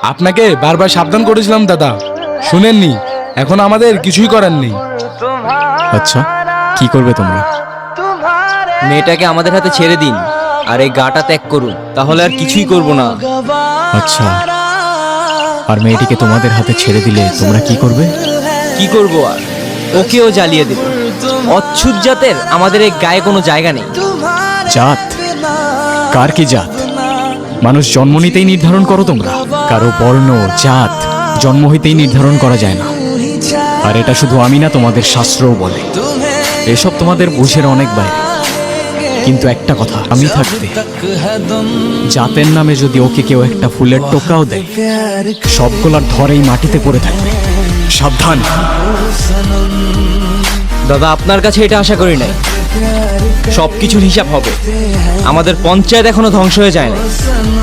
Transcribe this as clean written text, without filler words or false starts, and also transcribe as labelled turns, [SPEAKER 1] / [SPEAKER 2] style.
[SPEAKER 1] আপনাকে বারবার সাবধান করেছিলাম দাদা, শুনেননি। এখন আমাদের কিছুই করার নেই।
[SPEAKER 2] আচ্ছা, কি করবে তোমরা?
[SPEAKER 3] মেয়েটাকে আমাদের হাতে ছেড়ে দিন আর এই গাটা ত্যাগ করুন, তাহলে আর কিছুই করব না।
[SPEAKER 2] আচ্ছা, আর মেয়েটিকে তোমাদের হাতে ছেড়ে দিলে তোমরা কি করবে?
[SPEAKER 3] কি করব আর, ওকেও জ্বালিয়ে দেব। অচ্ছুত জাতের আমাদের এই গায়ে কোনো জায়গা নেই।
[SPEAKER 2] জাত? কার কি জাত? মানুষ জন্ম নিতেই নির্ধারণ করো তোমরা? কারো বর্ণ জাত জন্ম হইতেই নির্ধারণ করা যায় না। আর এটা শুধু আমি না, তোমাদের শাস্ত্রও বলে। এসব তোমাদের বুঝের অনেক বাইরে। কিন্তু একটা কথা, আমি থাকতে জাতের নামে যদি ওকে কেউ একটা ফুলের টোকাও দেয়, সবগুলার ধরেই মাটিতে পড়ে থাকবে। সাবধান।
[SPEAKER 3] দাদা, আপনার কাছে এটা আশা করি নাই। সব কিছুর হিসাব হবে। আমাদের পঞ্চায়েত এখনো ধ্বংস হয়ে যায় না।